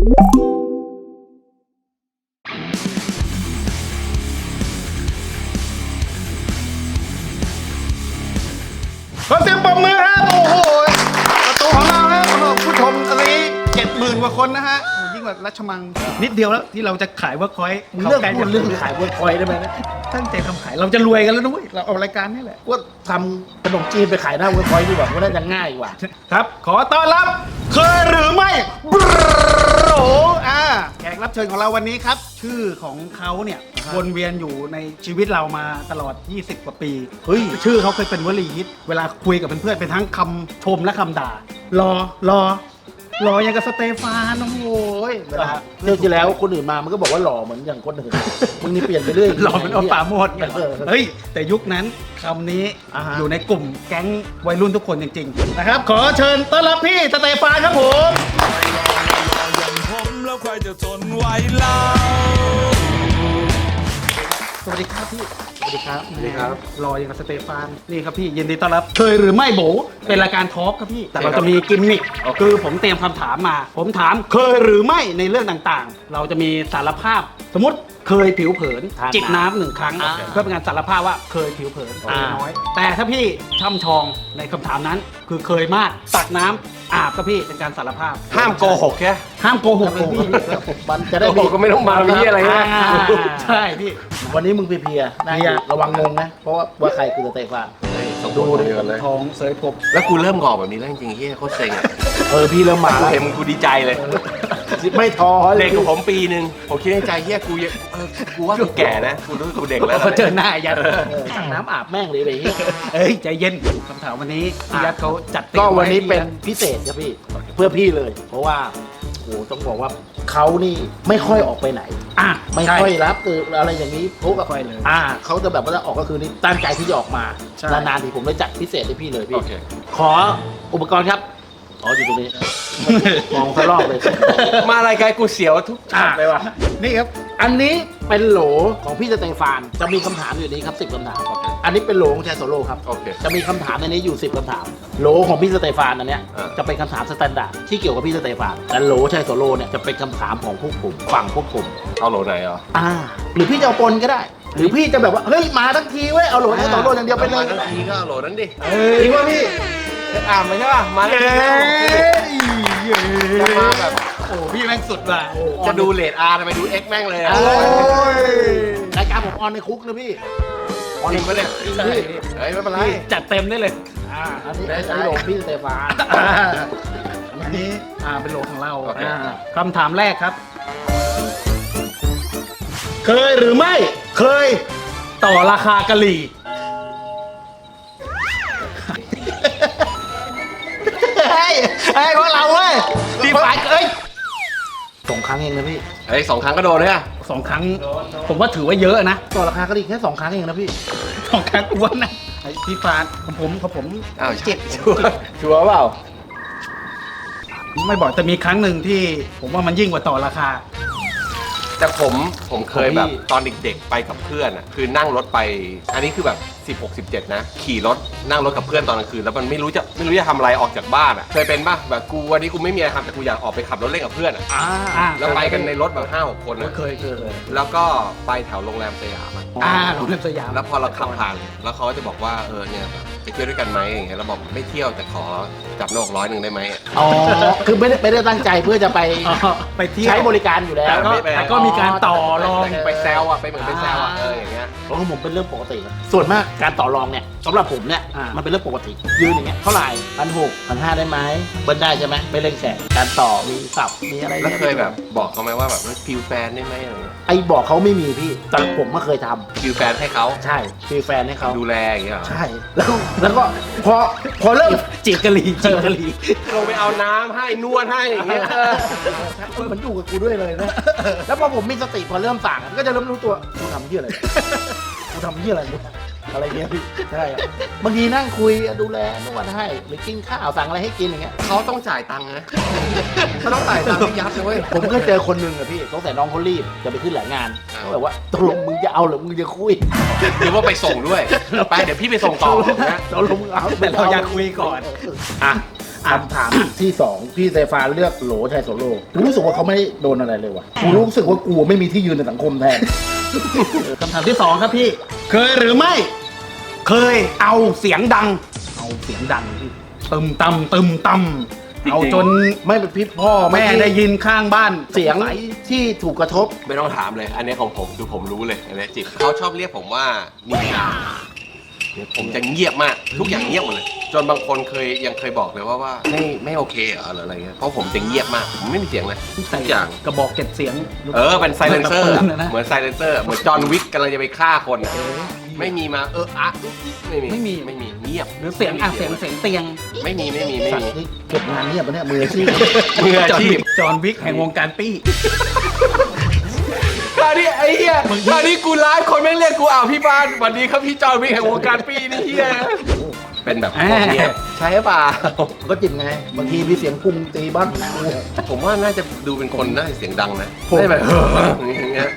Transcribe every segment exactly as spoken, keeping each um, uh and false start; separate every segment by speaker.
Speaker 1: ขอเสียงปรบมือฮะโอ้โหประตูของเราฮะผู้ชมตอนนี้เจ็ดหมื่นกว่าคนนะฮะยิ่งกว่ารัชมังนิดเดียวแล้วที่เราจะขายเวิร์คพอยต์
Speaker 2: เรื่องพูดเรื่องขายบนคอยได้ไหมนะ
Speaker 1: ตั้งใจทำขายเราจะรวยกันแล้วด้วยเราเอารายการนี่แหละ
Speaker 2: ว่าทำขนมจีนไปขายหน้าบนคอยดีกว่าเพราะน่าจะง่ายกว่า
Speaker 1: ครับขอต้อนรับเคยหรือไม่บรโออ่าแขกรับเชิญของเราวันนี้ครับ ชื่อของเขาเนี่ยวนเวียนอยู่ในชีวิตเรามาตลอดยี่สิบกว่าปีเฮ้ยชื่อเขาเคยเป็นวลีฮิตเวลาคุยกับเพื่อนๆเป็นทั้งคำชมและคำด่ารอรอรออย่างกับสเตฟานโอ้โหเวลา
Speaker 2: เที่ยวที่แล้วคนอื่นมามันก็บอกว่าหล่อเหมือนอย่างคนอื่นมึงนี่เปลี่ยนไปเรื่อย
Speaker 1: หล่อเป็นอัลปาโมดเนี่ย
Speaker 2: เออ
Speaker 1: เฮ้ยแต่ยุคนั้นคำนี้
Speaker 2: อ่าฮะ
Speaker 1: อยู่ในกลุ่มแก๊งวัยรุ่นทุกคนจริงๆนะครับขอเชิญต้อนรับพี่สเตฟานครับผม
Speaker 3: อย่างผมแล้วใครจะทนไหวเล่า
Speaker 1: สวัสดีครับพี่
Speaker 2: สวัสดีครับ
Speaker 1: สวัสดีครับรออย่างกับสเตฟานนี่ครับพี่ยินดีต้อนรับเคยหรือไม่โบเป็นรายการทอล์กครับพี่แต่เราจะมีกิมมิคคือผมเตรียมคำถามมา ผมถามเคยหรือไม่ในเรื่องต่างๆ เราจะมีสารภาพสมมติเคยผิวเผิน
Speaker 2: ทานน้ำ
Speaker 1: จิบน้ำหนึ่งครั้ง
Speaker 2: อ่า
Speaker 1: เพื่อเป็นการสารภาพว่าเคยผิวเผิน
Speaker 2: อ่า
Speaker 1: น้อย แต่ถ้าพี่ช่ำชองในคำถามนั้นคือเคยมากตักน้ำอาบครับพี่เป็นการสารภาพ
Speaker 4: ห้ามโกหกแค่
Speaker 1: ห้ามโกหกเลยพี่
Speaker 2: มันจะได้
Speaker 4: โกหกก็ไม่ต้องมามีอะไรนะ
Speaker 1: อ่าใช่พี่
Speaker 2: วันนี้มึงเพลียๆนะ
Speaker 1: เพลีย
Speaker 2: ระวังงงนะ เพราะว่าว่าใครคือสเตฟาน
Speaker 4: ดูเดียวกันเลย
Speaker 1: ทองเสยผม
Speaker 4: แล้วกูเริ่มงอกแบบนี้แล้วจริงๆเฮียโคตรเซ็งอ่ะ
Speaker 2: เออพี่เริ่มมา
Speaker 4: กู
Speaker 2: แล้ว
Speaker 4: เห็นมึงกูดีใจเลย
Speaker 2: ไม่ท้อเล
Speaker 4: เด็
Speaker 2: ย
Speaker 4: กกับผมปีหนึ่งผมคิดในใจเฮียกูยังเออกูว่ากูแก่นะกูรู้สึกกูเด็กแล้ว
Speaker 1: พอเจอหน้ายัด
Speaker 2: เออสั่งน้ำอาบแม่งเลยไปเหี้ย
Speaker 1: เอ้ยใจเย็นคำถามวันนี้พี่ยัดเขาจัดเต็ม
Speaker 2: ก็วันนี้
Speaker 1: ไให้
Speaker 2: เป็น
Speaker 1: พี่ะ
Speaker 2: พิเศษครับพี่ เพื่อพี่เลย เพราะว่าโหต้องบอกว่าเขานี่ไม่ค่อยออกไปไหน
Speaker 1: อ่ะ
Speaker 2: ไม่
Speaker 1: ใช่
Speaker 2: ค่อยรับคืออะไรอย่างนี้พวก
Speaker 1: ไม่ค่อยเลย
Speaker 2: อ่าเขาจะแบบว่าจะออกก็คือนี่ตั้งใจที่จะออกมา
Speaker 1: ใช่
Speaker 2: นานๆทีผมเลยจัดพิเศษให้พี่เลยพี่
Speaker 4: โอเค
Speaker 2: ขออุปกรณ์ครับ อ๋ออยู่ตรงนี้ มองเขารอบเลย
Speaker 4: มารายการกูเสียวทุกฉากเลยว่ะ
Speaker 1: นี่ครับ
Speaker 2: อันนี้เป็นโหลของพี่สเตฟาน จะมีคำถามอยู่ในนี้ครับสิบคำถาม อันนี้เป็นโหลของแชร์โซโล่ครับ
Speaker 4: โอเค
Speaker 2: จะมีคำถามในนี้อยู่สิบคำถาม โหลของพี่สเตฟานอันเนี้ย
Speaker 4: อ่า
Speaker 2: จะเป็นคำถามสแตนดาร์ดที่เกี่ยวกับพี่สเตฟานแต่โหลแชร์โซโล่เนี่ยจะเป็นคำถามของพวกผมฝั่งพวกผม
Speaker 4: เอาโหลไหนอ่ะ
Speaker 2: อ่า หรือพี่จะเอาปนก็ได้ หรือพี่จะแบบว่าเฮ้ยมาทั้งทีเว้ยเอาโหลแชร์โซโล่อย่างเดียวไปเลย
Speaker 4: ทั้งทีก็เอาโหลนั้นดิ
Speaker 1: เอ้ย
Speaker 4: จริงป่ะพี่อ่านมาใช่ป่ะมา
Speaker 1: เอ้
Speaker 4: แล้ว
Speaker 1: ย
Speaker 4: จะมาแบบ
Speaker 1: โอ้พี่แม่งสุดว่ะ
Speaker 4: จะดูเลดอาร์ทำไมดูเอ็กแม่งเลยอะ
Speaker 2: โอ้
Speaker 1: โอ้ย
Speaker 2: รายการผมออนในคุกนะพี่ออน
Speaker 4: จ
Speaker 2: ใน
Speaker 4: ริง
Speaker 2: คุ
Speaker 4: ปะ
Speaker 2: ก
Speaker 4: เนี่ย
Speaker 1: ใช่
Speaker 4: เฮ้ยไม่เป็นไร
Speaker 1: พี่จัดเต็มได้เลย
Speaker 2: อ่าอันนี้อันนี้โหลพี่สเตฟาน
Speaker 1: อ่าอันนี้อ่าเป็นโหลของเรา
Speaker 4: โอเค
Speaker 1: อ่าคำถามแรกครับ เคยหรือไม่เคยต่อราคากะหรี่เฮ้ยเฮ้ยพวกเราเว้ยดีฝ่ายเอ้ย
Speaker 2: สองครั้งเองนะพี่
Speaker 4: เฮ้ยสองครั้งก็โดนเลยอะ
Speaker 1: สองครั้ง ผมว่าถือว่าเยอะนะ
Speaker 2: ต่อราคาก็ดีแค่สองครั้งเองนะพี่
Speaker 1: สองครั้งอ้วนนะไอ้พี่ฟานของผมของผม
Speaker 4: อ้าว
Speaker 1: เจ็ด
Speaker 4: ชัวร์ชัวร์เปล่า
Speaker 1: ไม่บอกแต่มีครั้งหนึ่งที่ ผมว่ามันยิ่งกว่าต่อราคา
Speaker 4: แต่ผมผมเคยแบบ
Speaker 2: ของพี่
Speaker 4: ตอนเด็กๆไปกับเพื่อนอ่ะคือนั่งรถไป อันนี้คือแบบสิบหก สิบเจ็ดนะขี่รถนั่งรถกับเพื่อนตอนกลางคืนแล้วมันไม่รู้จะไม่รู้จะทำอะไรออกจากบ้านอ่ะเคยเป็นป่ะแบบกูวันนี้กูไม่มีอะไรทำแต่กูอยากออกไปขับรถเล่นกับเพื่อนอ่ะ
Speaker 2: อ่า
Speaker 1: อ่า
Speaker 4: แล้วไปกันในรถแบบห้าหกคนนะ
Speaker 1: เคยเคย
Speaker 4: แล้วก็ไปแถวโรงแรมสยามอะ
Speaker 1: อ่าโรงแรมสยาม
Speaker 4: แล้วพอเราขับผ่านแล้วเขาก็จะบอกว่าเออเนี่ยแบบไปเที่ยวด้วยกันไหมอย่างเงี้ยเราบอกไม่เที่ยวแต่ขอจับโหนกร้อยหนึ่งได้ไหมอะ
Speaker 2: อ๋อ คือไม่ได้ไม่ได้ตั้งใจเพื่อจะไป
Speaker 1: อ๋อไปเที่ยว
Speaker 2: ใช้บริการอยู่แล้ว
Speaker 1: แต่ก็
Speaker 4: ไม่ไป
Speaker 1: แต่ก็มีการต่อรอง
Speaker 4: ไปแซวอ่ะไปเหมือนไปแซวอ่ะเอออย่างเงี้ย
Speaker 2: เพราะของผมเป็นเรื่องปกติครับส่วนมากการต่อรองเนี่ยสำหรับผมเนี่ย
Speaker 1: อ่ามั
Speaker 2: มันเป็นเรื่องปกติ ยืนอย่างเงี้ยเท่าไหร่พันหกพันห้าได้ไหมเบิ้ลได้ใช่ไหมไม่เร่งแสงการต่อมีสับมีอะไร
Speaker 4: แล้วเคยแบบบอกเขาไหมว่าแบบฟิลแฟนได้ไหมอะไรเงี้ย
Speaker 2: ไอ้บอกเขาไม่มีพี่แต่ผมไม่เคยทำ
Speaker 4: ฟิลแฟนให้เขา
Speaker 2: ใช่ฟีแฟนให้เขา
Speaker 4: ดูแลอย่างเงี้ยเหรอ
Speaker 2: ใช่ แล้วแล้วก็พอพอเริ่ม
Speaker 1: จีบกะหรี่จีบกะหรี่
Speaker 4: ลงไปเอาน้ำให้นวดให้อย่างเงี้ย
Speaker 2: มันอยู่กับกูด้วยเลยนะ แล้วพอผมมีสติพอเริ่มสั่งก็จะเริ่มรู้ตัวกูทำเหี้ยอะไรกูทำเหี้ยอะไรเนี่ยอะไรเงี้ยพี่ใช่ครับบางทีนั่งคุยดูแลนวดให้หรือกินข้าวสั่งอะไรให้กินอย่างเงี้ย
Speaker 4: เขาต้องจ่ายตังค์นะเขาต้องจ่ายตังค์ให้ยับเลยเว้ย
Speaker 2: ผมก็เจอคนหนึ่งอะพี่สงสัยน้องเขารีบจะไปขึ้นหลายงาน
Speaker 4: อ้าว
Speaker 2: เขาแบบว่าตกลงมึงจะเอาหรือมึงจะคุย
Speaker 4: หรือว่าไปส่งด้วยไปเดี๋ยวพี่ไปส่งต่อนะ
Speaker 2: ตกลงมึงเอา
Speaker 1: แต่เราอยากคุยก่อน
Speaker 2: อ่ะ
Speaker 1: อ่ะ
Speaker 2: คำถามที่สองพี่เซฟานเลือกโหลชัยโสโลกูรู้สึกว่าเขาไม่ได้โดนอะไรเลยว่ะกูรู้สึกว่ากูไม่มีที่ยืนในสังคมแทน
Speaker 1: คำถามที่สองครับพี่ เคยหรือไม่ เคยเอาเสียงดัง เอาเสียงดังพี่ตึมตำตึมตำเอาจน
Speaker 2: ไม่เป็นพี่พ่อ
Speaker 1: แม่ได้ยินข้างบ้าน
Speaker 2: เสียง
Speaker 1: ใส
Speaker 2: ที่ถูกกระทบ
Speaker 4: ไม่ต้องถามเลย อันนี้ของผมคือผมรู้เลยอันนี้จิตเขาชอบเรียกผมว่านินจาเดี๋ยวผมจะเงียบมากทุกอย่างเงียบหมดเลย จนบางคนเคยยังเคยบอกเลยว่าว่าไม่ไม่โอเคเหรอหรืออะไรเงี้ยเพราะผมจะเงียบมากผมไม่มีเสียงเลยทุกอย่าง
Speaker 1: กระบอกเก็บเสียง
Speaker 4: เออเป็นไซเลนเซอร์
Speaker 1: ปืนนะ
Speaker 4: เหมือนไซเลนเซอร์เหมือนจอห์นวิกกำลังจะไปฆ่าคนอะไม่มีมาเอออะไม่มี
Speaker 1: ไม่มี
Speaker 4: ไม่มีเงียบ
Speaker 1: หรือเสียงอ่ะเสียงเสียงเตียง
Speaker 4: ไม่มีไม่มีไม่
Speaker 2: สัต
Speaker 4: มี
Speaker 2: ว์นี่เก็บงานเงียบปะเนี่ยมืออาชีพ
Speaker 4: มืออาชีพ
Speaker 1: จอห์นวิกแห่งวงการปี้
Speaker 4: คราวนี้ไอ้เหี้ยคราวนี้กูไลฟ์คนแม่งเรียกกูอ้าวพี่บ้านสวัสดีครับพี่จอห์นวิกแห่งวงการปีนี่เหี้ยเป็นแบบพวกเนี้ยใช่ป่ะ
Speaker 2: ก็จิบไงบางทีมีเสียงกุ้งตีบ้าง
Speaker 4: ผมว่าน่าจะดูเป็นคนน่าจะเสียงดังนะ
Speaker 2: ผม
Speaker 4: ได้แบบอย่างเงี้ย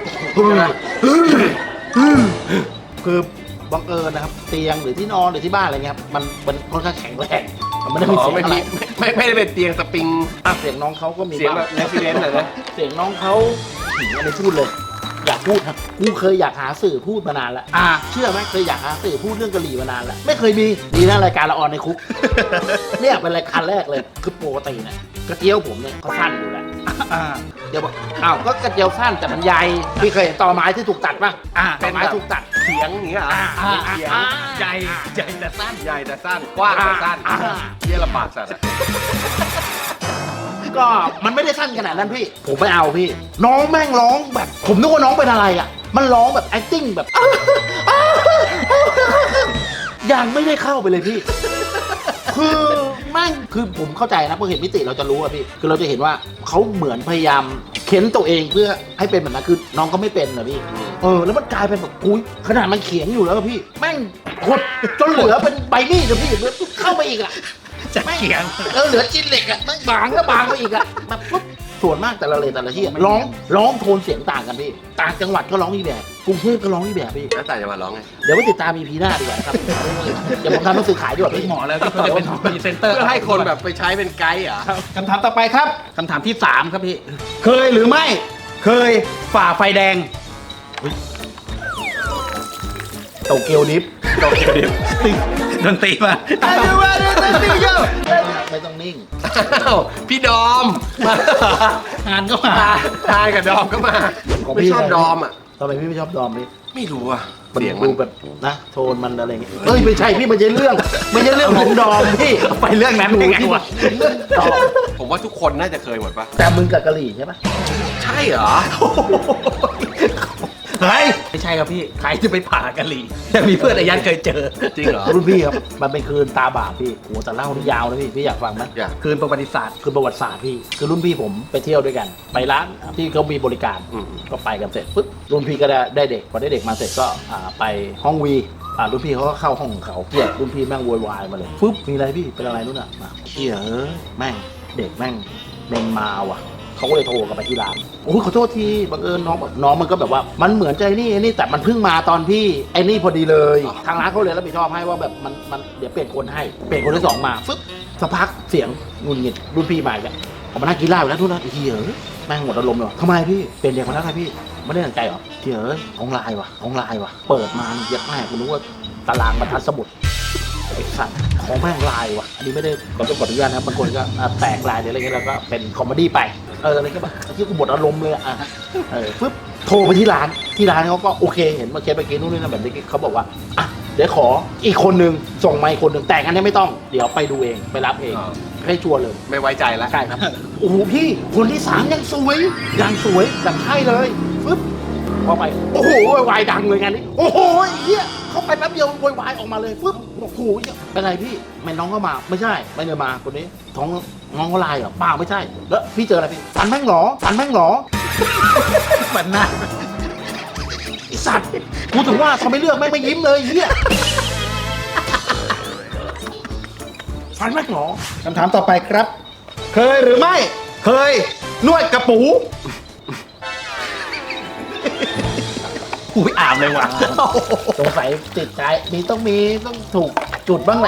Speaker 2: คือบังเอิญนะครับเตียงหรือที่นอนหรือที่บ้านอะไรเงี้ยครับมันมันค่อนข้างแข็งแรงมันไม่ได้มี
Speaker 4: อ๋อ
Speaker 2: เสียง
Speaker 4: ไม่
Speaker 2: อะไร
Speaker 4: มีไม่ไม่ได้เป็นเตียงสปริง
Speaker 2: อ่ะเสียงน้องเขาก็มี
Speaker 4: เสียงแบบ
Speaker 2: บ้า
Speaker 4: เรสซิเดนต์อะนะ
Speaker 2: เสียงน้องเขาหืมอะไรพูดเลย อยากพูดครับกูเคยอยากหาสื่อพูดมานานแล้ว
Speaker 1: อ่า
Speaker 2: เชื่อไหมเคยอยากหาสื่อพูดเรื่องกะหรี่มานานแล้วไม่เคยมีดีนะรายการละออนในคุก เนี่ยเป็นรายการแรกเลยคือปกติเนี่ยกระเจียวผมเนี่ยเขาสั้นอยู่แล้ว
Speaker 1: อ่า
Speaker 2: เดี๋ยวบอกอ้าวก็กระเจียวสั้นแต่มันใหญ่พี่เคยเห็นตอไม้ที่ถูกตัดป่ะ
Speaker 1: อ่า
Speaker 2: ตอไม้ถูกตัด
Speaker 4: เสียงอย่างเงี้ยเหรอ
Speaker 2: อ่า
Speaker 1: อ่า
Speaker 4: เสียง
Speaker 1: อ่าใหญ่ใหญ่แต่สั้น
Speaker 4: ใหญ่แต่สั้นกว้างแต่สั้น
Speaker 2: อ่า
Speaker 4: เยี่ยลำบากสัตว์อะ
Speaker 2: ก็มันไม่ได้สั้นขนาดนั้นพี่ ผมไม่เอาพี่ น้องแม่งร้องแบบ ผมนึกว่าน้องเป็นอะไรอ่ะ มันร้องแบบ acting แบบ ยังไม่ได้เข้าไปเลยพี่ คือแม่งคือผมเข้าใจนะพอเห็นมิติเราจะรู้อะพี่ คือเราจะเห็นว่าเขาเหมือนพยายามเค้นตัวเองเพื่อให้เป็นแบบนั้นคือน้องก็ไม่เป็นนะพี่ เออแล้วมันกลายเป็นแบบอุ้ยขนาดมันเขียงอยู่แล้วอะพี่ แม่งหดจนเหลือเป็นใบมีดอะพี่เข้าไปอีกอะ
Speaker 1: จะเขียง
Speaker 2: เออเหลือจิ้นเหล็กอะแม่งบางก็บางไปอีกอะแบบปุ๊บส่วนมากแต่ละเลยแต่ละที่อะร้องร้องโทนเสียงต่างกันพี่ ต่างจังหวัดก็ร้องอีกแบบกรุงเทพก็ร้องอีกแบบพี่
Speaker 4: แล้วแต่จะมาร้องไง
Speaker 2: เดี๋ยวไปติดตามอีพีหน้าดีกว่านะครับอย่าผมทำหนังสือขายดีกว่า
Speaker 1: เป็น
Speaker 2: พี่
Speaker 1: หมอแล้วที่เขาจะเป็นพรีเซนเตอร์
Speaker 4: เพื่อให้คนแบบไปใช้เป็นไกด์เหรอ
Speaker 1: คำถามต่อไปครับคำถามที่สามครับพี่ เคยหรือไม่ เคยฝ่าไฟแดง
Speaker 2: โตเกียวดิฟ
Speaker 4: โตเกียวดิฟ
Speaker 1: ดนตรีมา
Speaker 2: ไม่ต้องนิ่ง
Speaker 4: อ้าวพี่ดอมมาง
Speaker 1: านก็มา
Speaker 4: ทายกับดอมก็มา
Speaker 2: ของ
Speaker 4: ไม่
Speaker 2: พี่
Speaker 4: ชอบดอมอ่ะ
Speaker 2: ทำไมพี่ไม่ชอบดอมพี่
Speaker 4: ไม่รู้อ่ะ
Speaker 2: มัน
Speaker 4: เสียงมั
Speaker 2: ดู
Speaker 4: น
Speaker 2: แบบนะโทนมันอะไรเงี้ยเอ้ยไม่ใช่พี่มันจะเรื่องไม่ใช่เรื่องของดอมพี่
Speaker 1: ไปเรื่องนั้นได้ไงวะ
Speaker 2: เรื่องดอม
Speaker 4: ผมว่าทุกคนน่าจะเคยหมดปะ
Speaker 2: แต่มึงกับกะหรี่ใช่ปะ
Speaker 4: ใช่เหรอ
Speaker 1: เฮ้ยไม่ใช่ครับพี่ ใครจะไปผ่ากะหรี่แต่มีเพื่อนอายันเคยเจอ
Speaker 4: จริงเหรอ
Speaker 2: รุ่นพี่ครับมันเป็นคืนตาบาปพี่โหแต่เล่านี่ยาวนะพี่พี่อยากฟังไหม
Speaker 4: อยาก
Speaker 1: คืนประวัติศาสตร์
Speaker 2: คือประวัติศาสตร์พี่คือรุ่นพี่ผมไปเที่ยวด้วยกัน ไปร้านที่เขามีบริการ
Speaker 4: อืม
Speaker 2: ก็ไปกันเสร็จปุ๊บรุ่นพี่ก็ได้ได้เด็กพอได้เด็กมาเสร็จก็อ่าไปห้องวีอ่ารุ่นพี่เขาก็เข้าห้องของเขาเกลียดรุ่นพี่แม่งโวยวายมาเลยปุ๊บมีอะไรพี่เป็นอะไรนู่นน่ะมาเฮียเอ้ยแม่งเด็กแม่งเมงมาว่ะเขาก็เลยโทรกลับไปที่ร้านโอ้ยขอโทษทีบังเอิญน้องบอกน้องมันก็แบบว่ามันเหมือนใจนี่ไอ้นี่แต่มันเพิ่งมาตอนพี่ไอ้นี่พอดีเลย ทางร้านเขาเลยรับผิดชอบให้ว่าแบบมันมันเดี๋ยวเปลี่ยนคนให้เปลี่ยนคนที่สองมาฟึ๊บสักพักเสียงงุนงิดรุ่นพี่มาอีกแล้วออกมานั่งกินเหล้าอยู่แล้วทุกนั้นเฮียเอ้ยแม่งหมดอารมณ์เลยว่ะทำไมพี่เป็นเด็กคนนั้นไงพี่ไม่ได้ตั้งใจเหรอเฮียเอ้ยของลายว่ะของลายว่ะเปิดมาเยอะมากคุณรู้ว่าตารางบรรทัดสมุดไอ้สัตว์ของแม่งลายว่ะอันนี้ไม่ได้ขอต้องขออนุญาตนะครับบางคนก็อ่ะแตกลายหรืออะไรเงี้ยแล้วก็เป็นคอมเมดี้ไปเอออะไรก็แบบที่กูหมดอารมณ์เลยอ่ะเออปึ๊บโทรไปที่ร้านที่ร้านเขาก็โอเคเห็นมาเคสไปกินนู่นนี่นั่นแบบนี้เขาบอกว่าอ่ะเดี๋ยวขออีกคนนึงส่งมาอีกคนนึงแต่งอันนี้ไม่ต้องเดี๋ยวไปดูเองไปรับเอง
Speaker 4: อ่า
Speaker 2: ให้ชัวร์เลย
Speaker 4: ไม่ไว้ใจแล้ว
Speaker 2: ใช่ครับ โอ้โหพี่คนที่สามยังสวยยังสวยดังใช่เลยปึ๊บพอไปโอ้โหโวยวายดังเลยงานนี้โอ้โหไอ้เหี้ยเขาไปแป๊บเดียวโวยวายออกมาเลยปึ๊บโอ้โหเป็นไรพี่ไม่น้องก็มาไม่ใช่ไม่ได้มาคนนี้ท้องน้องก็ลายเหรอเปล่าไม่ใช่แล้วพี่เจออะไรพี่ฟันแม่งเหรอฟันแม่งเหรอ
Speaker 1: เหมือนหน้า
Speaker 2: ไอสัตว์กูถึงว่าทำไมเลือกแม่งไม่ยิ้มเลยไอ้เหี้ยฟันแม่งเหรอ
Speaker 1: คำถามต่อไปครับ เคยหรือไม่ เคยนวดกระปู อุ้ยอาบเลยว่ะ
Speaker 2: สงสัยติดใจมีต้องมีต้องถูกจุดบ้างแหละ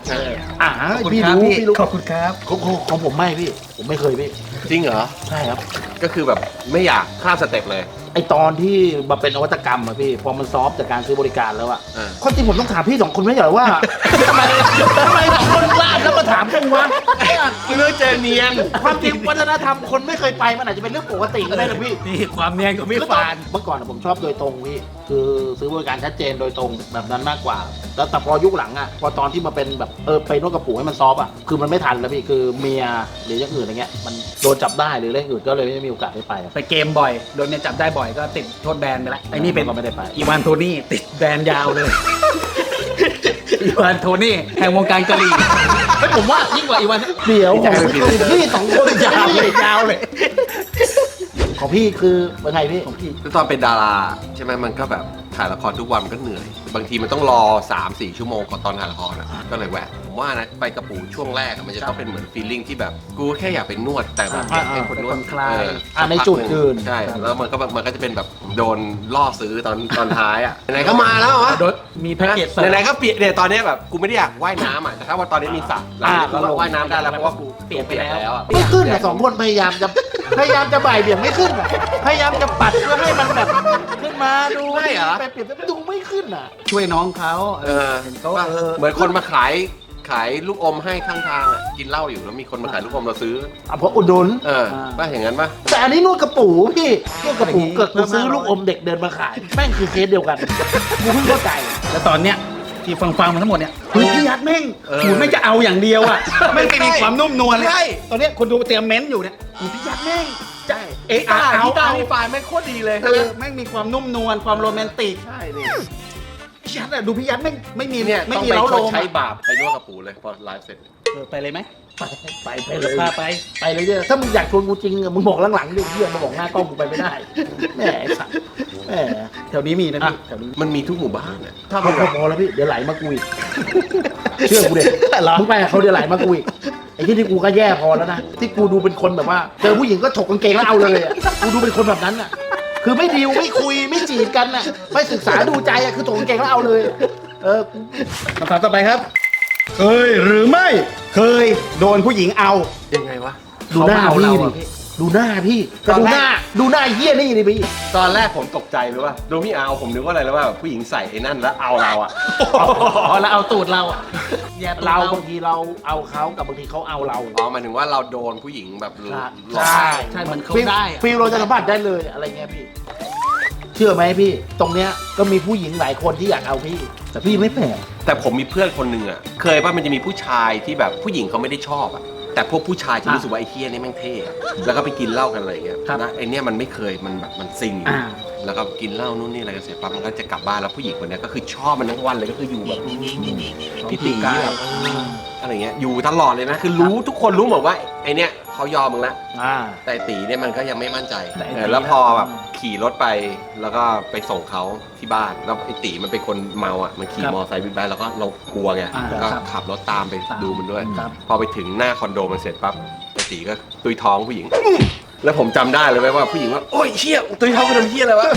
Speaker 4: ใช่
Speaker 2: อ่า
Speaker 1: ขอบคุณ
Speaker 2: พี่
Speaker 1: ครับ
Speaker 2: รู้
Speaker 1: พี่
Speaker 2: พี่รู้
Speaker 1: ขอบคุณครับ
Speaker 2: ของของของผมไม่พี่ ผมไม่เคยพี่
Speaker 4: จริงเหรอ
Speaker 2: ใช่ครับ
Speaker 4: ก็คือแบบไม่อยากข้ามสเต็ปเลย
Speaker 2: ไอตอนที่มาเป็นนวัตกรรมอะพี่ พอมันซอฟต์จากการซื้อบริการแล้วอะ
Speaker 4: อ่า
Speaker 2: คนจริงผมต้องถามพี่สองคนไม่ใช่เหรอว่า ทำไมทำไมสองคนลาดแล้วมาถามกูวะ
Speaker 4: เรื่องเจอเนียน
Speaker 2: ความจริงวัฒนธรรมคนไม่เคยไปมันอาจจะเป็นเรื่องปกติก็ได้นะพี่
Speaker 1: นี่ความเนียนของพี่ฟาน
Speaker 2: เมื่อก่อนอะผมชอบโดยตรงพี่คือซื้อบริการชัดเจนโดยตรงแบบนั้นมากกว่า แล้วแต่พอยุคหลังอ่ะพอตอนที่มาเป็นแบบเออไปนวดกระปูให้มันซอฟต์อ่ะคือมันไม่ทันแล้วพี่คือเมียหรืออย่างอื่นอะไรเงี้ยมันโดนจับได้หรือเรื่องอื่นก็เลยไม่มีโอกาสได้ไปอะ
Speaker 1: ไปเกมบ่อย โดนเนี่ยจับได้บ่อยก็ติดโทษแบนไปแล้วไอ้นี่เป็น
Speaker 2: ก็ไม่ได้ไป
Speaker 1: อีวานโทนี่ติดแบนยาวเลย อีวานโทนี่แห่งวงการกะหรี่เฮ้ยผมว่ายิ่งกว่าอีวาน
Speaker 2: เดี๋ยว
Speaker 1: ไม่
Speaker 2: ของ
Speaker 1: ใช่ไม่ผิด
Speaker 2: พี่สองคน
Speaker 1: ยาวเลยยาวเลย
Speaker 2: ของพี่คือเป็นไงพี่ของพี่
Speaker 4: คือตอนเป็นดาราใช่ไหมมันก็แบบถ่ายละครทุกวันมันก็เหนื่อย บางทีมันต้องรอ สามสี่ ชั่วโมงก่อนตอนถ่ายละครอ่ะก็เลยแหวะผมว่านะไปกระปูช่วงแรกอะมันจะต้องเป็นเหมือนฟีลลิ่งที่แบบกูแค่อยากไปนวดแต่แบบ
Speaker 2: อ่า
Speaker 4: เป็นคนนวด
Speaker 1: เป็นคนคลาย
Speaker 4: เออ
Speaker 2: อ่าในจุดอื่น
Speaker 4: ใช่แล้วมันก็แบบมันก็จะเป็นแบบโดนล่อซื้อตอนตอนท้ายอ่ะไหนๆก็มาแล้ววะ
Speaker 1: โดนมีแพ็กเกจเสริม
Speaker 4: ไหนๆก็เปลี่ยนเนี่ยตอนเนี้ยแบบกูไม่ได้อยากว่ายน้ำอ่ะแต่ถ้าว่าตอนนี้มีสระหลังจากนี้ก็ว่ายน้ำได้แล้วเพราะว่ากู
Speaker 1: เปลี่ยนไปแล้ว
Speaker 4: แล้วอะ
Speaker 2: ไม่ขึ้นอ่ะสองคนพยายามจะพยายามจะบ่ายเบี่ยงไม่ขึ้นอะพยายามจะปัดเพื่อให้มันแบบขึ้นมาดู
Speaker 4: ไม่เหรอ
Speaker 2: ไปเปลี่ยนไปดูไม่ขึ้นอ่ะ
Speaker 1: ช่วยน้องเขา
Speaker 4: เออ
Speaker 1: เห็นเขา
Speaker 4: ว่า
Speaker 1: เออ
Speaker 4: เหมือนคนมาขายขายลูกอมให้ข้างทางอ่ะกินเหล้าอยู่แล้วมีคนมาขายลูกอมเราซื้อ
Speaker 2: อ่ะเพราะอุดหนุน
Speaker 4: เออป่ะอย่างนั้นป่ะ
Speaker 2: แต่อันนี้นวดกระปูพี่นวดกระปูเกิดกูซื้อลูกอมเด็กเดินมาขาย แม่งคือเคสเดียวกันกูเพิ่งเข้าใจ
Speaker 1: แล้วตอนเนี้ยที่ฟังฟังๆมาทั้งหมดเนี่ยคือพี่ยัดแม่ง
Speaker 4: เออ
Speaker 1: หูไม่งจะเอาอย่างเดียวอ่ะไม่งไม่มีความนุ่มนวลเลย
Speaker 4: ใช่
Speaker 1: ตอนเนี้ยคนดูเตรียมเม้นต์อยู่เนี่ยหูพี่ยัดแม่ง
Speaker 4: ใช่
Speaker 1: เอ๊ะ
Speaker 4: ตา
Speaker 1: เอา
Speaker 4: ที่ตา
Speaker 1: เอา
Speaker 4: ที่ไฟล์แม่งโคตรดีเลย
Speaker 1: เออแม่งมีความนุ่มนวลความโรแมนติก
Speaker 4: ใช่นี่
Speaker 1: พี่ยัดอะดูพี่ยัดแม่งไม่มี
Speaker 4: เนี่ย
Speaker 1: ไม่
Speaker 4: ต้อง
Speaker 1: มี
Speaker 4: ไป
Speaker 1: เล้า
Speaker 4: ช
Speaker 1: โล
Speaker 4: ด
Speaker 1: ม
Speaker 4: ใช้
Speaker 1: อะ
Speaker 4: บาปไปนวดกระปูเลยพอไลฟ์เสร็จ
Speaker 1: เออไปเลยไหม
Speaker 2: ไปไปเลย
Speaker 1: พาไป
Speaker 2: ไปเลยเนี่ยถ้ามึงอยากชวนกูจริงอะมึงบอกหลังๆดิเฮียมาบอกหน้ากล้องกูไปไม่ได้แหมไอ้สัตว์แหม
Speaker 1: แถวนี้มีนะพี่
Speaker 2: อ่ะ
Speaker 1: แถวนี้
Speaker 4: มันมีทุกหมู่บ้านอ่ะ
Speaker 2: ถ้าพอพอแล้วพี่เดี๋ยวไหลมากูอีกเชื่อกูเด็มึงไปกับเขาเดี๋ยวไหลมากูอีกไอ้ที่ที่กูก็แย่พอแล้วนะที่กูดูเป็นคนแบบว่าเจอผู้หญิงก็ถกกางเกงแล้วเอาเลยอะกูดูเป็นคนแบบนั้นอ่ะคือไม่ดีลไม่คุยไม่จีบกันอ่ะไม่ศึกษาดูใจอ่ะคือถกกางเกงแล้วเอาเลย เออกู
Speaker 1: คำถามต่อไปครับ เคยหรือไม่เคยโดนผู้หญิงเอา
Speaker 4: ยังไงวะ
Speaker 2: ดูหน้า
Speaker 1: เขามา
Speaker 2: พี่
Speaker 1: เอา
Speaker 2: ดิ
Speaker 1: เราอะ
Speaker 2: ดูหน้าพี่
Speaker 4: ตอน
Speaker 2: ดู
Speaker 4: แรก
Speaker 2: หน้าดูหน้าไอ้เหี้ยนี่ดิพี่
Speaker 4: ตอนแรกผมตกใจรู้ป่ะดูพี่เอาผมนึกว่าอะไรแล้วว่าแบบผู้หญิงใส่ไอ้นั่นแล้วเอาเราอ่ะ
Speaker 1: อ๋อแล้วเอาตูดเราอะแย่ตูด
Speaker 2: เรา
Speaker 1: เรา
Speaker 2: บางทีเราเอาเขากับบางทีเขาเอาเรา
Speaker 4: อ๋อหมายถึงว่าเราโดนผู้หญิงแบบหลอก
Speaker 2: ใช่
Speaker 1: ใช่เหมือนเขา
Speaker 2: ฟิล
Speaker 1: ได้อะ
Speaker 2: ฟิลเราจะสัมผัสได้เลยอะไรเงี้ยพี่ เชื่อไหมพี่ ตรงเนี้ยก็มีผู้หญิงหลายคนที่อยากเอาพี่ แต่พี่ไม่แปลก
Speaker 4: แต่ผมมีเพื่อนคนหนึ่งอ่ะเคยป่ะมันจะมีผู้ชายที่แบบผู้หญิงเขาไม่ได้ชอบอ่ะแต่พวกผู้ชายจะรู้สึกว่าไอ้เฮียนี่แม่งเท่อะแล้วก็ไปกินเหล้ากันอะไรอย่างเงี้ยนะไอ้เนี่ยมันไม่เคยมันแบบมันซิงอยู่
Speaker 1: อ่า
Speaker 4: แล้วก็กินเหล้านู่นนี่อะไรกันเสร็จปั๊บมันก็จะกลับบ้านแล้วผู้หญิงคนเนี้ยก็คือชอบมันทั้งวันเลยก็คืออยู่แบบพี่ตีแบบเอออะไรเงี้ยอยู่ตลอดเลยนะคือรู้ทุกคนรู้หมดว่าไอ้เนี่ยเขายอมมึงละ
Speaker 2: อ่า
Speaker 4: แต่ไอ้ตีเนี่ยมันก็ยังไม่มั่นใจ
Speaker 1: แต่ไอ้ตี
Speaker 4: เออแล้วพอแบบขี่รถไปแล้วก็ไปส่งเขาที่บ้านแล้วไอ้ตีมันเป็นคนเมาอ่ะมันขี่มอเตอร์ไซค์บิ๊กไบค์แล้วก็เรากลัวไง
Speaker 1: อ่า
Speaker 4: แล้วก็
Speaker 1: ครับ
Speaker 4: ขับรถตามไปดูมันด้วย
Speaker 1: ครับ
Speaker 4: พอไปถึงหน้าคอนโดมันเสร็จปั๊บไอ้ตีก็ตุยท้องผู้หญิง แล้วผมจำได้เลยว่าผู้หญิงว่าโอ๊ยเชี่ยตุยท้องกูทำเชี่ยอะไรวะ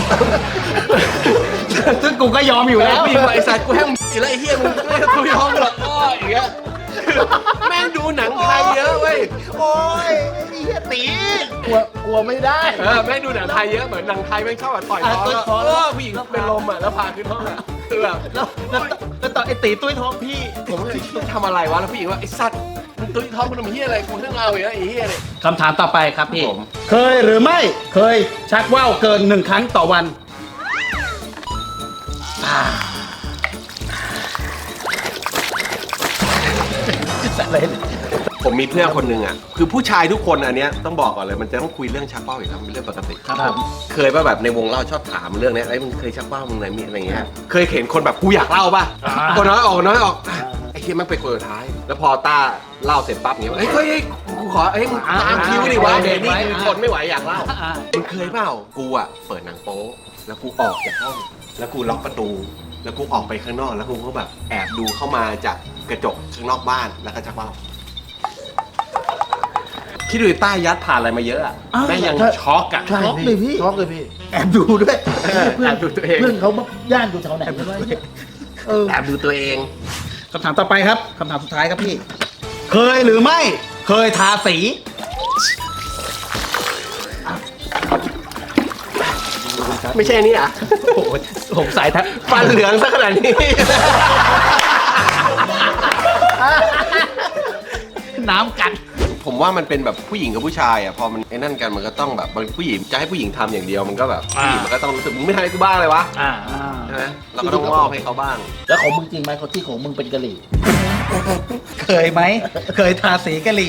Speaker 1: ซึ่งกูก็ยอมอยู่
Speaker 4: แล้
Speaker 1: แล้ว ว
Speaker 4: ผู้หญิงว่าไอ้สัตว์กูให้มึงกินแล้วไอ้เฮียมึงไม่ตุยท้องกูหรอกอ้ออย่างเงี้ยแม่งดูหนังไทยเยอะเว้ย
Speaker 2: โอ้ยไอ้เหี้ยตีกลัวกลัวไม่ได้
Speaker 4: เออแม่งดูหนังไทยเยอะเหมือนหนังไทยแม่งชอบแบบต่อยท้อง
Speaker 1: อ่ะต่อย
Speaker 4: แล้ว
Speaker 1: ท้อง
Speaker 4: เออผู้หญิงเป็นลมอ่ะแล้วพาขึ้นห้องอ่ะคือแบบ
Speaker 1: แล้วแล้วแล้วตอนไอ้ตีตุ้ยท้องพี่
Speaker 4: ผมก็เลยต้องทำอะไรวะแล้วผู้หญิงว่าไอ้สัตว์มึงตุ้ยท้องมึงทำเฮียอะไรกูเรื่องเราอย่างเงี้ยไอ้เฮียเนี่ย
Speaker 1: คำถามต่อไปครับพี่
Speaker 4: ผม
Speaker 1: เคยหรือไม่เคยชักว่าวเกินหนึ่งครั้งต่อวันอะไรเนี่ย
Speaker 4: ผมมีเพื่อนคนหนึ่งอ่ะคือผู้ชายทุกคนอันเนี้ยต้องบอกก่อนเลยมันจะต้องคุยเรื่องชักว่าวอยู่แล้วมันเป็นเรื่องปกติ
Speaker 1: ครับผม
Speaker 4: เคยป่ะแบบในวงเล่าชอบถามเรื่องเนี้ยไอ้ยมึงเคยชักว่าวมึงอะไรมีอะไรเงี้ยเคยเห็นคนแบบกูอยากเล่าป่ะ
Speaker 2: อ่า
Speaker 4: คนน้อยออกน้อยออกอ่ะไอ้เฮียมันไปคนสุดท้าย แล้วพอต้าเล่าเสร็จปั๊บเงี้ยเฮ้ยเฮ้ยเฮ้ยกูขอเฮ้ยมึงตามคิวดิวะเดี๋ยวนี่คือทนไม่ไหวอยากเล่า
Speaker 1: อ่า
Speaker 4: มึงเคยเปล่ากูอ่ะเปิดหนังโป๊แล้วกูออกจากห้องแล้วกูล็อกประตู แล้วกูออกไปข้างนอกแล้วกูก็แบบแอบดูเข้ามาจากกระจกข้างนอกบ้านแล้วก็ชักว่าวคิดดูใต้ยัดผ่านอะไรมาเยอะอ่ะ
Speaker 2: อ้าว
Speaker 4: แม่งยัง
Speaker 2: ใช่
Speaker 4: ช็อกอ่ะ
Speaker 2: ช็อกเลยพี่ช็อกเลยพี่
Speaker 1: แอบดูด้วย
Speaker 4: เออแอบดูตัวเอง
Speaker 2: เพื่อนเขามาย่านอยู่แถวไหนกันวะเนี่ยเออ
Speaker 4: แอบดูตัวเอง
Speaker 1: คำถามต่อไปครับคำถามสุดท้ายครับพี่ เคยหรือไม่เคยทาสี
Speaker 4: ไม่ใช่อันนี่อ่ะ
Speaker 1: โอ้โหผมสายทัด
Speaker 4: ฟันเหลืองซะขนาดนี้
Speaker 1: น้ำกัด
Speaker 4: ผมว่ามันเป็นแบบผู้หญิงกับผู้ชายอ่ะพอมันไอ้นั่นกันมันก็ต้องแบบบางผู้หญิงจะให้ผู้หญิงทำอย่างเดียวมันก็แบบผู้หญิงมันก็ต้องรู้สึกมึงไม่ทำให้กูบ้างเลยวะ
Speaker 2: อ่า
Speaker 4: ใช่ไหมเราก็ต้องมอบให้เขาบ้าง
Speaker 2: แล้วของมึงจริงไหมเขาที่ของมึงเป็นกะหรี่
Speaker 1: เคยไหมเคยทาสีกะหรี่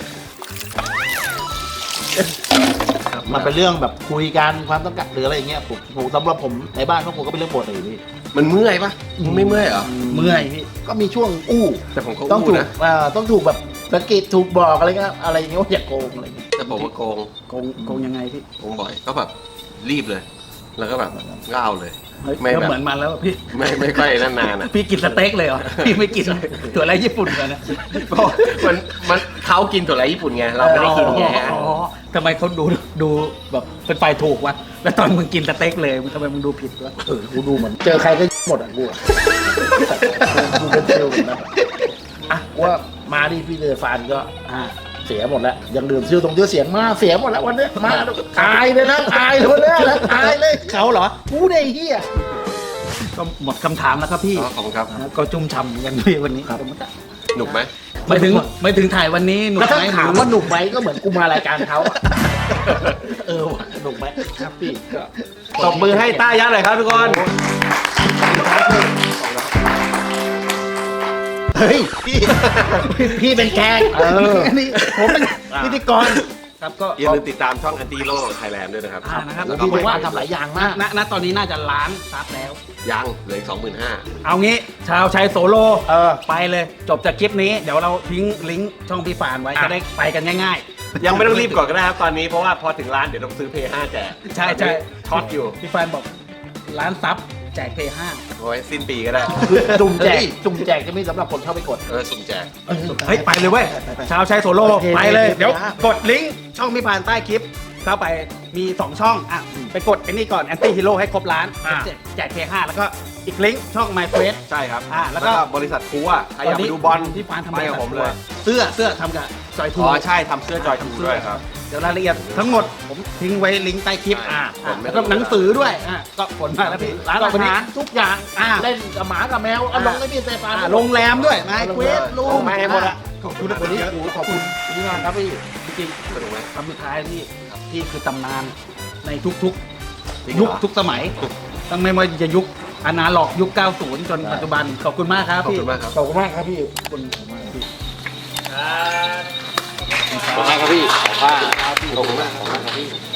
Speaker 2: มันเป็นเรื่องแบบคุยกันความต้องการหรืออะไรอย่างเงี้ยผมผมสำหรับผมในบ้านพวกผมก็เป็นเรื่องปกติพี่
Speaker 4: มันเมื่อยปะมึงไม่เมื่อยเหรอ
Speaker 1: เมื่อยพี่
Speaker 2: ก็มีช่วงอู้
Speaker 4: แต่ผมก็
Speaker 2: ต้อง
Speaker 4: อู้
Speaker 2: ถูก
Speaker 4: นะ
Speaker 2: อ่าต้องถูกแบบสะกิดถูกบอกอะไรเงี้ยอะไรอย่างเงี้ยว่าอย่าโกงอะไรเงี้ย
Speaker 4: แต่ผมมาโกง
Speaker 1: โกงโกงยังไงพี่
Speaker 4: โกงบ่อยก็แบบรีบเลย แล้วก็แบบก็เอาเลย ไม่
Speaker 1: ก็
Speaker 4: แบบ
Speaker 1: เหมือนมันแล้วอะพี่
Speaker 4: ไม่ไม่ค่อยนั่นนานอ่ะ
Speaker 1: พี่กินสเต็กเลยเหรอ พี่ไม่กินถั่วไรญี่ปุ่นกันนะ
Speaker 4: เพราะมันมันเขากินถั่วไรญี่ปุ่นไงเราไม่ได้กินไง
Speaker 1: อ๋อทำไมเขาดูดูแบบเป็นฝ่ายถูกวะแล้วตอนมึงกินสเต็กเลยมึงทำไมมึงดูผิดวะ
Speaker 2: เออกูดูเหมือนเจอใครก็หมดอ่ะกูอะกูเป็นเซลล์เหมือนกันอ่ะว่ามาดิพี่เดฟานก็อ่าเสียหมดแล้วยังดื่มซิลตรงเยอะเสียงมาเสียหมดแล้ววันเนี้ยมาอายเลยนะอายเลยวันเนี้ยนะอายเลย
Speaker 1: เขาเหรอ
Speaker 2: กูเนี่ยไอ้เฮีย
Speaker 1: ก็หมดคำถามแล้วครับพี่
Speaker 4: อ๋อขอบคุณครับ
Speaker 1: ก็จุ่มฉ่ำกันพี่วันนี้
Speaker 4: หนุกไหม
Speaker 1: ไม่ถึงไม่ถึงถ่ายวันนี้หนุก
Speaker 2: แล้วถ้า
Speaker 1: ไหม
Speaker 2: ถามว่าหนุกไหมก็เหมือนกูมารายการเขาอะเออว่ะหนุกไหมครับพี่ก็
Speaker 4: ตบมือให้ต้ายัดหน่อยครับทุกคน
Speaker 2: เฮ้ยพี่พี่เป็นแกงเออ
Speaker 1: นี่ผมเป็นพิธีกรครับก็
Speaker 4: อย่าลืมติดตามช่องอันตีโลไทยแลนด์ด้วยนะครับ
Speaker 1: อ่านะครับ
Speaker 2: แล้วพี่บอกว่าทำหลายอย่างมาก
Speaker 1: ณณตอนนี้น่าจะล้านซับแล้ว
Speaker 4: ยังเหลืออีกสองหมื่นห้า
Speaker 1: เอางี้ชาวชัยโซโล
Speaker 2: เออ
Speaker 1: ไปเลย จบจากคลิปนี้เดี๋ยวเราทิ้งลิงก์ช่องพี่ฟานไว้
Speaker 2: อ่ะ
Speaker 1: จะได้ไปกันง่าย
Speaker 4: ยังไม่ต้องรีบก่อนก็ได้ครับตอนนี้เพราะว่าพอถึงร้านเดี๋ยวต้องซื้อเพย์ห้าแจก
Speaker 1: ใช่ใช่
Speaker 4: ช็อตอยู่
Speaker 1: พี่ฟานบอกล้านซับแจกเพย์ห้า
Speaker 4: โอ้ยสิ้นปีก็ได้
Speaker 2: คือจุ่มแจกจุ่มแจกจะมีสำหรับคนเข้าไปกด
Speaker 4: เออสุ่มแจก
Speaker 1: เฮ้ยไปเลยเว้ยชาวชัยโซโล
Speaker 2: โอเค
Speaker 1: ไปเลย
Speaker 2: โอเค
Speaker 1: เดี๋ยว
Speaker 2: ครับ
Speaker 1: กดลิงก์ช่องพี่ฟานใต้คลิปเข้าไปมีสองช่องอ่ะไปกดไอ้นี่ก่อนแอนตี้ฮีโร่ให้ครบล้าน
Speaker 2: อ่ะ
Speaker 1: แจกแจกเพย์ห้าแล้วก็อีกลิงก์ช่อง My f a c e
Speaker 4: ใช่ครับ
Speaker 1: อ่าแล้วก็
Speaker 4: บริษัทคูอ่ะใครอยากไปดูบอล
Speaker 1: พี่ฟานทำ
Speaker 4: ไปกับผมเลย
Speaker 1: เสื้อเสื้อทำกับจอยทู
Speaker 4: อ๋อใช่ทำเสื้อจอยทูด้วยครับ
Speaker 1: เดี๋ยวรายละเอียดทั้งหมดผมทิ้งไว้ลิงก์ใต้คลิป
Speaker 2: อ่า
Speaker 1: อ่าแล้วก็หนังสือด้วยอ่าก็ผลมาแล้วพี่
Speaker 2: ร้าน
Speaker 1: ก็
Speaker 2: อา
Speaker 1: วันนี้
Speaker 2: หารทุกอย่าง
Speaker 1: อ่า
Speaker 2: เล่นกับหมากับแมวเอาลงให้พี่เซฟาน
Speaker 1: อ่าโรงแรมด้วยนายเควสลู
Speaker 2: ลงมาให้หมดอะ
Speaker 1: ขอบคุณ
Speaker 2: วันนี้กูขอบคุณพี่มากครับพี่จริง
Speaker 4: สนุกไหม
Speaker 1: คำสุดท้ายที่ที่คือตำนานในทุก
Speaker 4: จริง
Speaker 1: ๆ
Speaker 4: เหรอ
Speaker 1: ยุคทุกสมัยตั้งไม่ว่าจะยุคอนาล็อกยุค เก้าสิบ จนปัจจุบันขอบคุณมากครับ
Speaker 4: ขอบ
Speaker 1: พี่
Speaker 4: คุณมากครับ
Speaker 2: ขอบคุณมากครับพี่ขอบคุณมากพี่
Speaker 4: ขอบคุณมากครับพี่ขอบคุณมากขอบคุณมากครับพี่